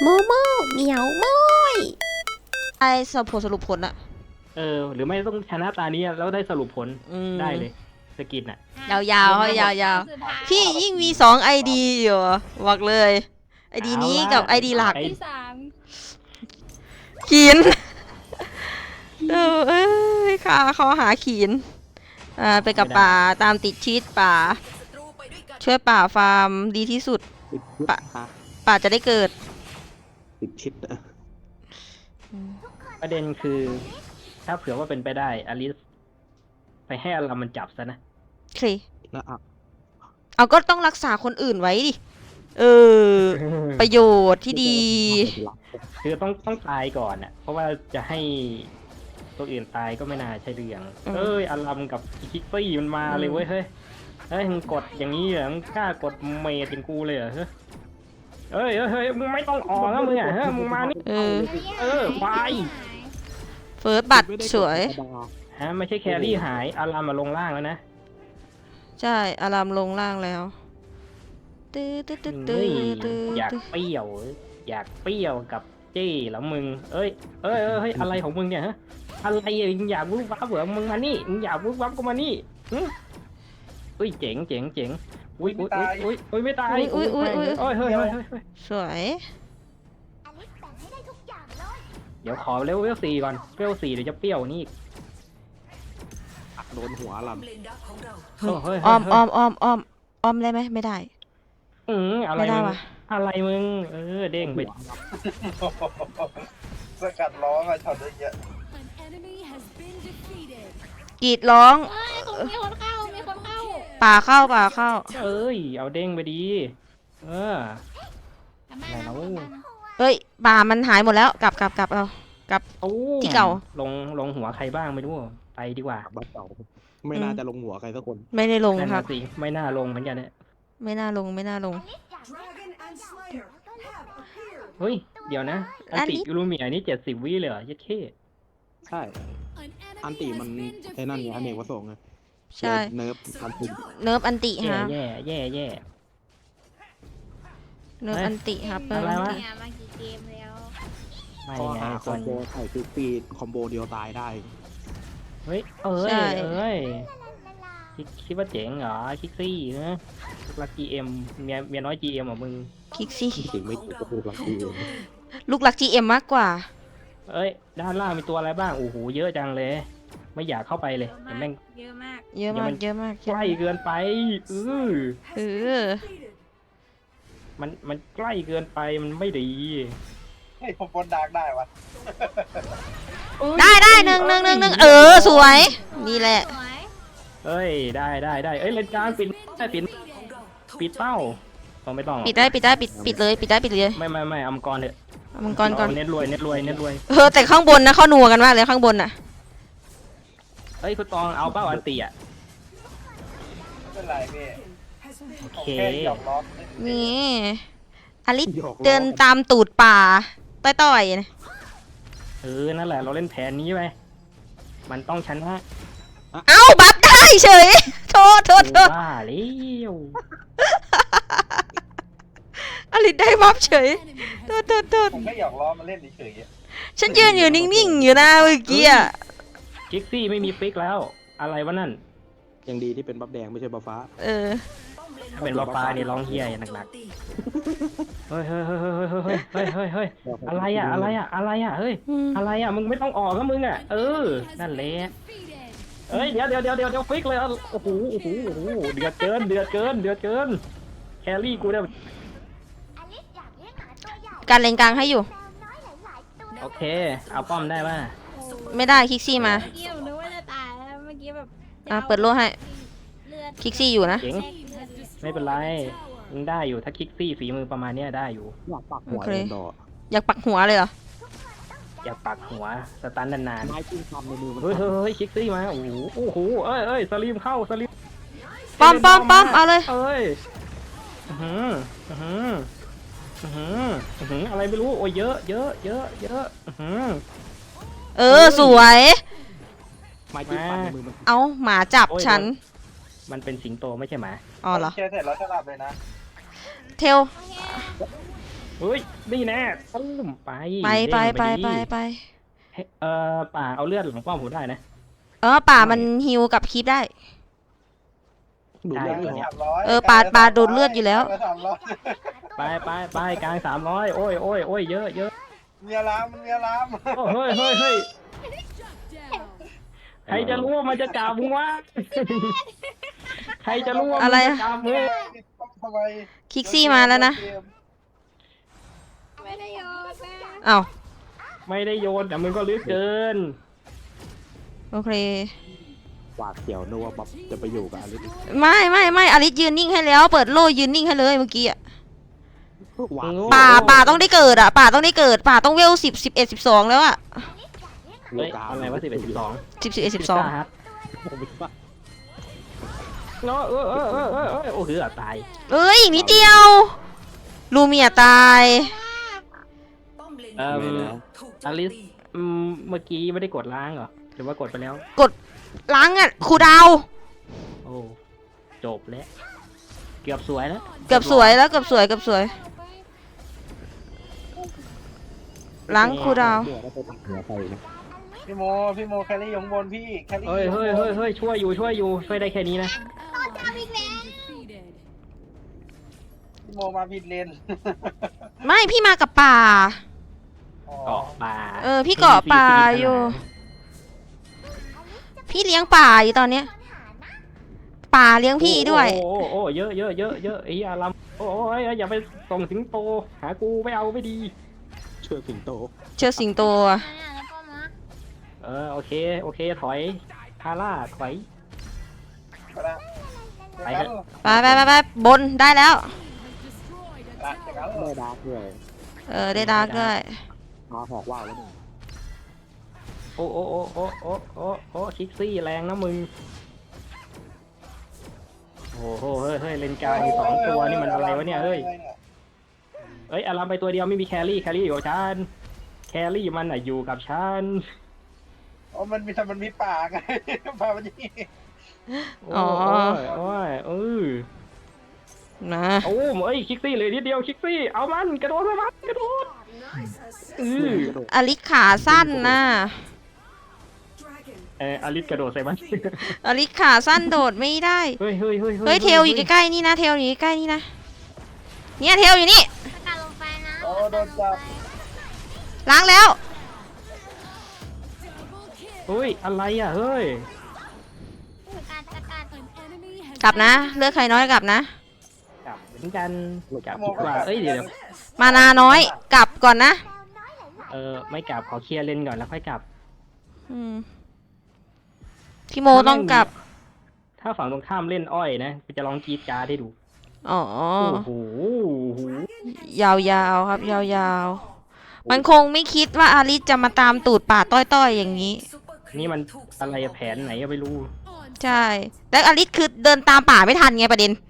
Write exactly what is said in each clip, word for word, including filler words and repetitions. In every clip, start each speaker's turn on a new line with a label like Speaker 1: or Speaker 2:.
Speaker 1: โมโมเหมียวโมยไอสรุปผลสรุปผลอะ
Speaker 2: เออหรือไม่ต้องชนะตานี้แล้วได้สรุปผล
Speaker 1: อืม
Speaker 2: ได้เลยสกินอ่ะ
Speaker 1: ยาวๆเขายาวๆพี่ยิ่งมีสองไอดีอยู่บอกเลยไอดีนี้กับไอดีหลัก
Speaker 2: ไอ้
Speaker 3: ที่สาม
Speaker 1: ขีนเออเอ้ยค่ะเขาหาขีนอ่าไปกับป่าตามติดชีตป่า ช่วยป่าฟาร์มดีที่สุด
Speaker 4: ติดชิด
Speaker 1: ปะ
Speaker 4: ฮะ
Speaker 1: ป่าจะได้เกิด
Speaker 4: ติดชิดนะ
Speaker 2: ประเด็นคือ ถ้าเผื่อว่าเป็นไปได้อลิสไปให้อลัมมันจับซะนะ
Speaker 1: โอเค
Speaker 4: แล้วอ่ะ
Speaker 1: เอาก็ต้องรักษาคนอื่นไว้ดิ เออ ประโยชน์ที่ดี
Speaker 2: คือต้องต้องตายก่อนอ่ะ เพราะว่าจะให้ตัวอื่นตายก็ไม่น่าใช่เรื่อง
Speaker 1: อืม
Speaker 2: เอ้ยอลัมกับคิกซี่มันมาเลยเว้ยเฮ้ยเฮ้ยมึงกดอย่างนี้เหรอมึงกล้ากดเมดเป็นกูเลยเหรอเฮ้ยเฮ้ยเฮ้ยเฮ้ยมึงไม่ต้องออกนะมึงอ่ะเฮ้ยมึงมานี่
Speaker 1: เออ
Speaker 2: เออควาย
Speaker 1: เฟิร์สบัตรสวย
Speaker 2: ฮะไม่ใช่แครี่หายอลัมมาลงล่างแล้วนะ
Speaker 1: ใช่ อารามลงล่างแล้วตื้อตื้อตื้อตื้
Speaker 2: เฮ้
Speaker 1: อย ตื้อ
Speaker 2: อยาก
Speaker 1: ตื้อ
Speaker 2: เปรี้ยว อยากเปรี้ยวกับเจ้แล้วมึง เอ้ยเอ้ยเอ้ยเฮ้ยอะไรของมึงเนี่ยฮะอะไรอ่ะมึงอยากวุ้บวับเหรอมึงมานี่มึงอยากวุ้บวับก็มานี่หึเฮ้ยเจ๋งเจ๋งเจ๋งอุ้ยอุ้ยอุ้ยอุ้ยอุ้ยไม่ตาย
Speaker 1: อุ้ยอุ้ยอุ้ย
Speaker 2: โอ้ยเฮ้ยเฮ้ยเฮ้ยเฮ้ย
Speaker 1: สวย
Speaker 2: เดี๋ยวขอเลเวลสี่ก่อนเลเวลสี่เดี๋ยวจะเปรี้ยวนี่อีก
Speaker 4: อักโดนหัวล
Speaker 2: เฮ้ยเฮ้ย
Speaker 1: อ้อม
Speaker 2: เฮ้ย
Speaker 1: อ้อมอ้อมอ้อมอ้อมได้ไหมไม่ได้
Speaker 2: อืมอะไร
Speaker 1: ไม่ได้
Speaker 2: มึง
Speaker 1: ว่ะ
Speaker 2: อะไรมึง เออเด้ง
Speaker 4: ำ
Speaker 2: ไป
Speaker 4: หัวล
Speaker 5: สกัดล้อมาช็อตเยอะ
Speaker 1: กรีดร้อง
Speaker 3: เอ้ยเขามีคนเข้า มีคนเข้า
Speaker 1: ป่าเข้าป่าเข้า
Speaker 2: เอ้ยเอาเด้งไปดี เออ
Speaker 3: ทำไม
Speaker 2: ไหน
Speaker 3: นะ
Speaker 2: แล้ว
Speaker 1: เฮ้ยป่ามันหายหมดแล้ว กลับกลับกลับเอากลับ
Speaker 2: ตู้
Speaker 1: ที่เก่า
Speaker 2: ลงลงหัวใครบ้างไม่รู้ไปดีกว่า
Speaker 4: บ้านเก่าไม่น่าจะลงหัวใครสักคน
Speaker 1: ไม่ได้ลง
Speaker 2: นั่น
Speaker 1: ครั
Speaker 2: น่ะ
Speaker 1: บ
Speaker 2: สิไม่น่าลงเหมือนกันเนี่ย
Speaker 1: ไม่น่าลงไม่น่าลง
Speaker 2: เฮ้ยเดี๋ยวนะอัน
Speaker 1: อัน
Speaker 2: ติ
Speaker 1: นี้
Speaker 2: ยูรูเมียนี่เจ็ดสิบวิเลยเหรอยัดเข้
Speaker 4: ใช่ อันติมันไอ้นั่นไงอเนกประสงค์ไง
Speaker 1: ใช่
Speaker 4: เนิร์ฟอันติ
Speaker 1: เนิร์ฟอันติ
Speaker 2: แย่
Speaker 1: ฮะ
Speaker 2: แย่แย่แย่
Speaker 1: เนิร์ฟ
Speaker 2: เอ้ย
Speaker 1: อันติครับเปิ
Speaker 2: อะไร
Speaker 1: อัน
Speaker 2: วะ
Speaker 1: ติ
Speaker 3: เนี่ยมากี่เกมแล้ว
Speaker 2: ไม่
Speaker 4: ข้อ
Speaker 2: ไง
Speaker 4: หาค
Speaker 2: ค
Speaker 4: อน มโบไข่ฟิกปีคอมโบเดียวตายได้
Speaker 2: เฮ้ยเอ้ย
Speaker 1: ใช่
Speaker 2: เอ้ยคิดคิดว่าเจ๋งเหรอคิกซี่ฮะลักจีเอ็มเมียเมียน้อยจีเอ็มอ่ะมึง
Speaker 1: คิกซี่
Speaker 4: ถึงไม่ถูกก็คือหลักทีเอง
Speaker 1: ลูกหลัก จี เอ็ม มากกว่า
Speaker 2: เอ้ยด้านล่างมีตัวอะไรบ้างโอ้โหเยอะจังเลย ไม่อยากเข้าไปเลย
Speaker 3: เยอะ
Speaker 2: แต่
Speaker 3: มาก
Speaker 2: แม่ง
Speaker 3: เยอะมาก
Speaker 1: เยอะ
Speaker 2: เดี๋ยว
Speaker 1: มา
Speaker 2: มั
Speaker 1: ก
Speaker 2: น
Speaker 1: เยอะมาก
Speaker 2: ใกล้เกินไปเออ
Speaker 1: เออ
Speaker 2: มันมันใกล้เกินไปมันไม่ดี
Speaker 5: เฮ้ยผมบนดาร์กได้วะ
Speaker 1: ได้ได้หนึ่งหนึ่งหนึ่งหนึ่งเออ สวย นี่แหละ
Speaker 3: สวย
Speaker 2: เอ้ยได้ได้ได้เอ้ยเลนกลางปิดได้ปิดปิดเป้าต้องไม่ต้องหรอก
Speaker 1: ปิดได้ปิดได้ปิดปิดเลยปิดได้ปิดเลย
Speaker 2: ไม่ไม่ไม่เอามังกรเถอะ
Speaker 1: เอามังกรก่อน
Speaker 2: เาเน็ตรวยเน็ตรวยเน็ตรวย
Speaker 1: เออแต่ข้างบนนะเขานัวกันมากเลยข้างบนน่ะ
Speaker 2: เอ้ยคุณตองเอาเป้าอันตีอ่ะ
Speaker 5: ไม่เป็นไรพี่
Speaker 2: โอ
Speaker 5: ผม
Speaker 2: เค
Speaker 5: แค่หยอกล้อ
Speaker 1: นี่อลิส
Speaker 4: หยอกล้อ
Speaker 1: เดินตามตูดป่าต้อยๆนะ
Speaker 2: เออนั่นแหละเราเล่นแผนนี้ไปมันต้องชนะ
Speaker 1: เอ้าบัฟได้เฉย โทษโทษโทษ
Speaker 2: ว่าแล้ว
Speaker 1: อลิสได้บัฟเฉยโทษโทษโทษ
Speaker 5: ผมแค่หยอกล้อมาเล่นเฉยๆอะ
Speaker 1: ฉันยืนอยู่นิ่งๆอยู่นะเมื่อกี้อะ
Speaker 2: กิกซี่ไม่มีฟิกแล้ว อะไรวะนั่น
Speaker 4: ยังดีที่เป็นบัฟแดงไม่ใช่บัฟฟ้า
Speaker 1: เออ
Speaker 2: ถ้าเป็นวาปานี่ร้องเฮียอย่างหนักๆเฮ้ยเฮ้ยเฮ้ยเฮ้ยเฮ้ยเฮ้ยเฮ้ยเฮ้ยอะไรอ่ะอะไรอ่ะอะไรอ่ะเฮ้ย
Speaker 1: อืม
Speaker 2: อะไรอ่ะมึงไม่ต้องออกก็มึงอ่ะเออนั่นแหละเอ้ยเดี๋ยวเดี๋ยวเดี๋ยวเดี๋ยวเดี๋ยวฟิกเลยอ่ะโอ้โหโอ้โหโอ้โหเดือดเกินเดือดเกินเดือดเกินแครี่กูเนี่ย
Speaker 1: การเลนกลางให้อยู่
Speaker 2: โอเคเอาป้อมได้ป่ะ
Speaker 1: ไม่ได้คิกซี่มา
Speaker 3: เมื่อกี้ผมนึกว่าจะตายแล้วเมื่อกี้แบบ
Speaker 1: อ่ะเปิดโล่ให้
Speaker 3: เลือด
Speaker 1: คิกซี่อยู่นะ
Speaker 2: เจ๋งไม่เป็นไรมึงได้อยู่ถ้าคิกซี่ฝีมือประมาณเนี้ยได้อยู่
Speaker 4: อยากปักหัว
Speaker 1: โอเค
Speaker 4: เลยดอก
Speaker 1: อยากปักหัวเลยเหรอ
Speaker 2: อย่าปักหัวสตันนาน
Speaker 4: ไม้จิ้งทำในมือมัน
Speaker 2: ๆเฮ้ยเฮ้ยเฮ้ยคิกซี่มาโอ้โหโอ้โหเอ้ยเอ้ยสลีมเข้าสลีม
Speaker 1: ป้อมป้อมป้อมเอาเลย
Speaker 2: เอ้ยอื้อหืออื้อหืออื้อหืออื้อหืออะไรไม่รู้โอ้ยเยอะเยอะเยอะเยอะอื้อหือ
Speaker 1: เออ สวย
Speaker 4: ไม้จิ้งฟันในมือมัน
Speaker 1: เอาหมาจับฉัน
Speaker 2: มันเป็นสิงโตไม่ใช่หมา
Speaker 1: อ๋อเหรอ
Speaker 5: แค่เสร็จแล้วจะหลับเลยนะ
Speaker 1: เทล
Speaker 2: เเฮ้ยนี่แน่ตุ้มไป
Speaker 1: ไปไปไป
Speaker 2: เด้ง
Speaker 1: ไป
Speaker 2: ดี
Speaker 1: ไป
Speaker 2: เฮ้ยเอ่อป่าเอาเลือดหลังป้อมผมได้นะ
Speaker 1: เออป่ามันฮิวกับคลิปได้
Speaker 4: ดู
Speaker 2: ได้
Speaker 4: เรื่อง
Speaker 5: ไป
Speaker 4: เลย
Speaker 5: สามร้อย
Speaker 1: เออปาดปาดดูดเลือดอยู่แล้ว
Speaker 5: ไปสามร้อย
Speaker 2: ไปไปไปกลางสามร้อยโอ้ยโอ้ยโอ้ยเยอะเยอะ
Speaker 5: เมียล้ามมันเมียล้าม
Speaker 2: โอ้เฮ้ยเฮ้ยเฮ้ยใครจะรู้ว่ามันจะจับมึงวะใครจะรู้ว่า
Speaker 1: อะ
Speaker 2: มัน
Speaker 1: ไร
Speaker 2: จะ
Speaker 1: อะ
Speaker 2: จับมึง
Speaker 5: ทำไม
Speaker 1: คิกซี่มาแล้วนะ
Speaker 3: ไม่ได้โยนนะ
Speaker 1: อ้าว
Speaker 2: ไม่ได้โยนแต่มึงก็ลึกเกิน
Speaker 1: โอเค
Speaker 4: หวาดเสียวนึกว่าบ๊อบจะไปอยู่กับอลิส
Speaker 1: ไม่ไม่ไม่อลิสยืนนิ่งให้แล้ว เปิดโล่ยืนนิ่งให้เลยเมื่อกี้อะ
Speaker 4: หวาด
Speaker 1: ป่าป่าต้องได้เกิดอะป่าต้องได้เกิดป่าต้องเวลสิบสิบเอ็ดสิบสองแล้วอะ
Speaker 2: เฮ้ยอะไรวะสิบเอ็ดสิบสอง
Speaker 1: สิบสิบเอ็ดสิบสอง
Speaker 2: ครับ
Speaker 4: ผมไม่ว่า
Speaker 2: เนาะเออเออเออเออเออโอ้โหอ่ะตาย
Speaker 1: เอ้ยอีกนิดเดียว ลูเมียตาย
Speaker 2: เอ่อ
Speaker 4: ไม่แล้ว
Speaker 2: อลิสอืมเมื่อกี้ไม่ได้กดล้างเหรอหรือว่ากดไปแล้ว
Speaker 1: ล้างอะครูดาว
Speaker 2: โอ้จบแล้วเกือบสวยแล้ว
Speaker 1: เกือบสวยแล้วเกือบสวยเกือบสวย ล้างครูดาว
Speaker 4: เดี๋ยวได้ไปตัดหัวไปนะ
Speaker 5: พี่โมพี่โมแครี่อยู่ข้างบนพี่แครี่
Speaker 2: เฮ้ยเฮ้ยเฮ้ยเฮ้ยช่วยอยู่ช่วยอยู่ช่วยได้แค่นี้นะ
Speaker 5: พี่โมมาผิดเลน
Speaker 1: ไม่พี่มากับป่า
Speaker 5: อ๋อ
Speaker 2: เกาะป่า
Speaker 1: เออพี่เกาะป่าอยู่ พี่เลี้ยงป่าอยู่ตอนเนี้ย ป่าเลี้ยงพี่ด้วย
Speaker 2: โอ้โอ้โอ้เยอะเยอะเยอะเยอะไอ้ยาลำโอ้ยอย่าไปส่งสิงโตหากูไม่เอาไม่ดี
Speaker 4: เชื่อสิงโต
Speaker 1: เชื่อสิงโตอะ
Speaker 3: แล้วก็มา
Speaker 2: เออโอเคโอเคถอยทาร่าถอย
Speaker 5: ไปละ
Speaker 2: ไปเถอะ
Speaker 1: ไปไปไปไปบนได้แล้ว
Speaker 5: ละจากนั้นเหร
Speaker 4: ได้
Speaker 5: อ
Speaker 4: ดาร์กด้วย
Speaker 1: เออได้ดาร์กด้วย
Speaker 4: มาหอกว่าวแล้วเนี่ย
Speaker 2: โอ้โอ้โอ้โอ้โอ้โอ้โอ้คิกซี่แรงนะมึงโอ้โหเฮ้ยเฮ้ยเลนกลางมีสองตัวนี่มันอะไรวะเนี่ยเฮ้ยเอ้ยอารามไปตัวเดียวไม่มีแครี่แครี่อยู่กับฉันแครี่มันอ่ะอยู่กับฉัน
Speaker 5: อ๋อมันมีมันมีป่าไงป่ามันนี่
Speaker 2: โอ้ยโอ้ยเออ
Speaker 1: นะ
Speaker 2: โอ้เอ้ยคิกซี่เลยนิดเดียวคิกซี่เอามันกระโดดไปมันกระโดดเออ
Speaker 1: อลิสขาสั้นนะ
Speaker 2: เอออลิสกระโดดใส่มัน
Speaker 1: อลิสขาสั้นโดดไม่ได้
Speaker 2: เฮ้ยเฮ้ยเฮ้ย
Speaker 1: เฮ้ยเทลอยู่ใกล้ๆนี่นะเทลอยู่ใกล้ๆนี่นะ เนี่ยเทลอยู่นี่
Speaker 3: สกัดลงไปนะ
Speaker 5: โอ้โดนจับ
Speaker 1: ล้างแล้ว
Speaker 2: เฮ้ยอะไรอ่ะเฮ้ย
Speaker 3: สกัดสกัด
Speaker 1: กลับนะ เลือกใครน้อยกลับนะ
Speaker 2: กลับเหมือนกันกลับดีกว่าเอ้ยเดี๋ยว
Speaker 1: มานาน้อย กลับก่อนนะ
Speaker 2: เออไม่กลับขอเคลียร์เลนก่อนแล้วค่อยกลับ
Speaker 1: อืมพี่โมต้องกลับ
Speaker 2: ถ้าฝั่งตรงข้ามเล่นอ้อยนะจะลองกรีดการ์ดให้ดู
Speaker 1: อ๋อ
Speaker 2: โอ้โห
Speaker 1: ยาวๆครับ ยาวๆ มันคงไม่คิดว่าอาริสจะมาตามตูดป่าต้อยๆอย่างนี้
Speaker 2: นี่มันอะไรแผนไหนก็ไม่รู้
Speaker 1: ใช่ แล้วอาริสคือเดินตามป่าไม่ทันไงประเด็น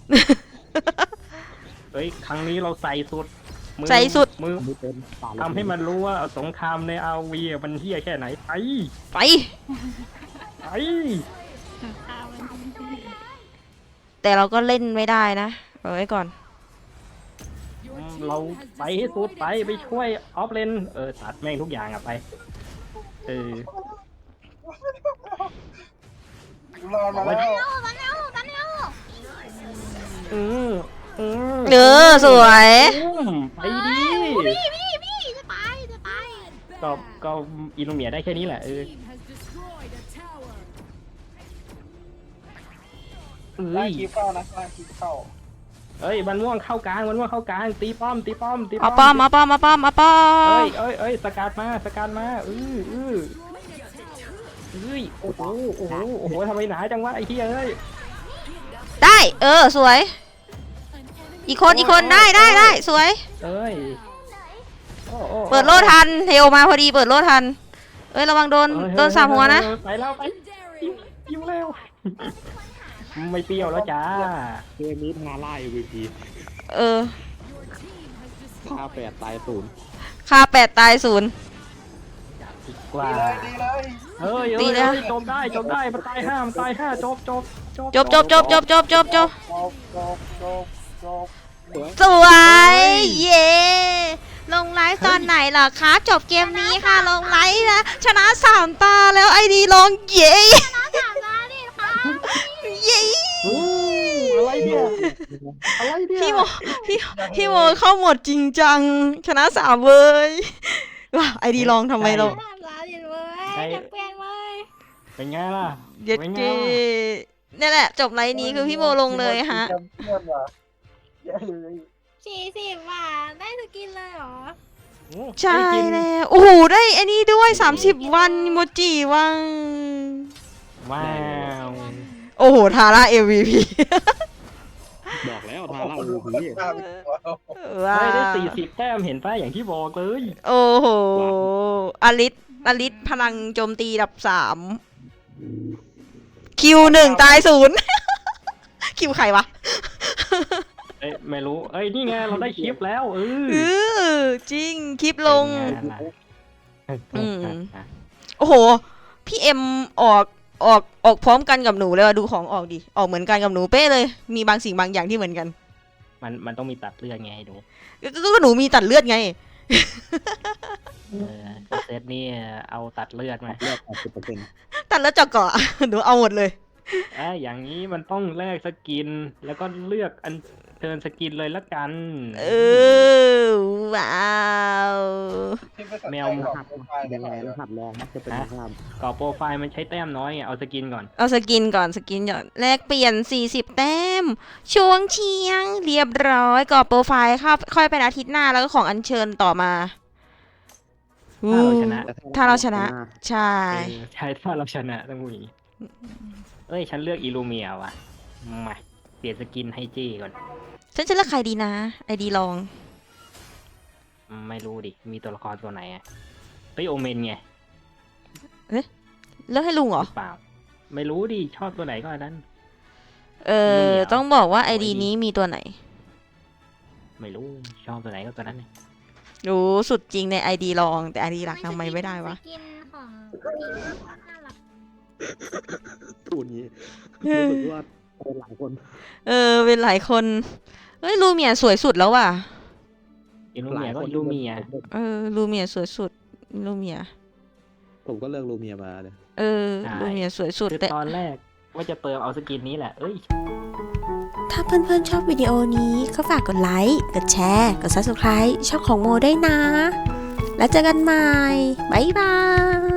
Speaker 2: เฮ้ยครั้งนี้เราใส่สุดมือ
Speaker 1: ใส่สุด
Speaker 2: มือ
Speaker 4: ไม่เป็นป่า
Speaker 2: ทำให้มันรู้ว่าสงครามในอาวีมันเฮี้ยแค่ไหนไป
Speaker 1: ไป
Speaker 2: ไป
Speaker 1: แต่เราก็เล่นไม่ได้นะเอาไว้ก่อน
Speaker 2: อืมเราไปให้สุดไปไปช่วยออฟเลนเออตัดแม่งทุกอย่างอะไปเออ
Speaker 5: รอมาแล้ว
Speaker 3: เอามาแล้วมาแล้ว
Speaker 2: อืมอืม
Speaker 1: เออสวย
Speaker 2: อืมไปดิ
Speaker 3: พี่พี่พี่จะตายจะตาย
Speaker 2: ก็ก็อิลูเมียได้แค่นี้แหละเออ
Speaker 5: ไล่
Speaker 2: เอ้ย
Speaker 5: คีบเข้านะไล่คีบเข้า
Speaker 2: เอ้ยมันม่วงเข้ากลางมันม่วงเข้ากลางตีป้อมตีป้อมตีป้อ
Speaker 1: เอา
Speaker 2: ม
Speaker 1: ป้อมเอาป้อมเอาป้อมเอาป้อ
Speaker 2: เอ้
Speaker 1: ม
Speaker 2: ยเอ้ยเอ้ยสกัดมาสกัดมาอืออือเอ้ยโอ้โหโอ้โหโอ้โหทำไมหนาจังวะไอ้เหี้ยเอ้ย
Speaker 1: ได้ เออ สวย อีกคนอีกคนได้ได้ได้สวย
Speaker 2: เอ้ยโอ้โอ้
Speaker 1: เปิดโล่ทัน เทลมาพอดีเปิดโล่ทัน เอ้ยระวังโดน
Speaker 2: เอ้ย
Speaker 1: โดนสามหัวนะ
Speaker 2: ไปแล้วไปปิ้วแล้วไม่เปรี้ยวแล้วจ้า
Speaker 4: เกมนี้ทาร่า เอ็ม วี พี
Speaker 1: เออ
Speaker 4: ฆ่าแปดตายศูนย์
Speaker 1: ค่าแปดตายศูนย์
Speaker 2: ดีกว่า
Speaker 5: ดีเลยดีเลย
Speaker 2: เอ้ย
Speaker 1: ตี
Speaker 2: เอ้ย
Speaker 1: แล้ว
Speaker 2: เอ้ยจบได้จบได้มันตายห้ามันตายห้าจบจบ
Speaker 1: จบจบจบจบจบจบจบ
Speaker 5: จบจบจบจบ
Speaker 1: สวย เย้งไลฟ์ตอนไหนเหรอคะ จบเกมนี้ค่ะลงไลฟ์นะชนะสามตาแล้วไอดีลองเย้
Speaker 3: น้องสามล้านดิค่ะ
Speaker 1: เย้
Speaker 2: อู้อะไรเนี่ยอะไรเนี่ย
Speaker 1: พี่โมพี่พี่โมเข้าหมดจริงจังชนะสามเว้ยว้าไอดีลองทำไมเรา
Speaker 3: สามล้านดิเว้ยจะเปลี่ยนเว้ย
Speaker 2: เป็นไงล่ะ
Speaker 1: เย็ด
Speaker 2: เป็นไง
Speaker 1: เจ
Speaker 2: ล่ะ
Speaker 1: นี่แหละจบไลฟ์นี้คือพี่โมลงเลยฮะ
Speaker 5: แชมเปี้ยนว่ะเย้เลย
Speaker 3: สี่สิบบาทได้สกินเลยเหรอ
Speaker 2: โอ้
Speaker 1: ใช่
Speaker 2: ได้กิน
Speaker 1: แล้วโอ้โหได้ไอ้นี่ด้วยสามสิบวันโมจิวัง
Speaker 2: ว้าว
Speaker 1: โอ้โหทาร่า เอ็ม วี พี
Speaker 4: บอกแล้วทาร่า
Speaker 5: โอ้
Speaker 4: อู
Speaker 5: โห
Speaker 4: พี
Speaker 5: หน้าไปตัวเรา
Speaker 1: ว้า
Speaker 2: ได้ได้
Speaker 1: ว
Speaker 2: สี่สิบแต้มเห็นป่ะอย่างที่บอกเลย
Speaker 1: โอ้โหอลิสอลิสพลังโจมตีดับสามคิวหนึ่งตายศูนย์ คิวใครวะ
Speaker 2: เอ้ยไม่รู้เอ้ยนี่ไงเราได้คลิปแล้วเออ
Speaker 1: เออจริงคลิปลง
Speaker 2: เป็นไล่ะ
Speaker 1: อืม โอ้โห พี่เอ็มออกออกออกพร้อมกันกับหนูเลยว่ะดูของออกดิ ออกเหมือนกันกับหนูเป๊ะเลย มีบางสิ่งบางอย่างที่เหมือนกัน
Speaker 2: มันมันต้องมีตัดเลือดไงให้ดู
Speaker 1: ก็ก็ก็หนูมีตัดเลือดไง
Speaker 2: เออเซตนี่เอาตัดเลือดมา
Speaker 4: เลือกแปดสิบเปอร์เซ็นต์
Speaker 1: ตัดเลือดเจาะเกาะ หนูเอาหมดเลย
Speaker 2: เอ้ยอย่างนี้มันต้องแลกสกิน แล้วก็เลือกอันเทิร์นสกินเลยละกัน
Speaker 1: เออ ว้าว
Speaker 5: ที่ไม่สน
Speaker 2: แม
Speaker 5: ใจ
Speaker 2: ว
Speaker 5: หรอก
Speaker 4: หัด
Speaker 5: โปรไฟล์
Speaker 4: ยังไง
Speaker 5: ไม่
Speaker 4: ร
Speaker 5: หรอก
Speaker 4: หัสแรงมักจะเป็นภาพ
Speaker 2: ก่อโปรไฟล์มันใช้แต้มน้อยไงเอาสกินก่อน
Speaker 1: เอาสกินก่อนสกินก่อนแลกเปลี่ยนสี่สิบแต้ม ช่วงเชียง เรียบร้อยกรอบโปรไฟล์ครับค่อยเป็นอาทิตย์หน้าแล้วก็ของอัญเชิญต่อมา
Speaker 2: ถ้าเราชนะ
Speaker 1: ถ้าเราชนะ ใช่
Speaker 2: เออใช่ถ้าเราชนะต้องมีเอ้ยฉันเลือกอิลูเมียว่ะมาเปลี่ยนสกินให้จี้ก่อน
Speaker 1: ฉันจะเลือกใครดีนะ ไอดีลอง
Speaker 2: ไม่รู้ดิ มีตัวละครตัวไหนอ่ะเฮ้ยโอเมนไง
Speaker 1: เลือกให้ลุงเหรอ
Speaker 2: หรือเปล่า ไม่รู้ดิ ชอบตัวไหนก็อันนั้น
Speaker 1: เอ
Speaker 2: ลุง
Speaker 1: อ
Speaker 2: เหรอ
Speaker 1: ต้องบอกว่าไอดี
Speaker 2: โอ้ย
Speaker 1: นี้มีตัวไหน
Speaker 2: ไม่รู้ ชอบตัวไหนก็ตัวนั้นเลย
Speaker 1: รู้สุดจริงในไอดีลอง แต่ไอดีหลักทำไมไม่ได้วะ
Speaker 3: สกินของผีน่ารัก
Speaker 4: พูดงี้รู้สึกว่าเป็นหลายคน
Speaker 1: เออ เป็นหลายคน เฮ้ย ลูเมียสวยสุดแล้วว่ะ
Speaker 2: อิลู
Speaker 4: ห
Speaker 2: เมี
Speaker 4: ลาย ย
Speaker 2: ก็
Speaker 4: คน
Speaker 2: อิลูเมีย
Speaker 1: เออ ลูเมียสวยสุด ลูเมีย
Speaker 4: ผมก็เลือกลูเมียมาเลย
Speaker 1: เออ
Speaker 2: ใช่
Speaker 1: ลูเมียสวยสุด
Speaker 2: คือ
Speaker 1: แต่
Speaker 2: ตอนแรกว่าจะเติมเอาสกินนี้แหละ เอ้ย
Speaker 6: ถ้าเพื่อนๆชอบวิดีโอนี้ก็ฝากกดไลค์ กดแชร์ กด ซับสไครบ์ ช่องของโมได้วยนะ แล้วเจอกันใหม่ บ๊ายบาย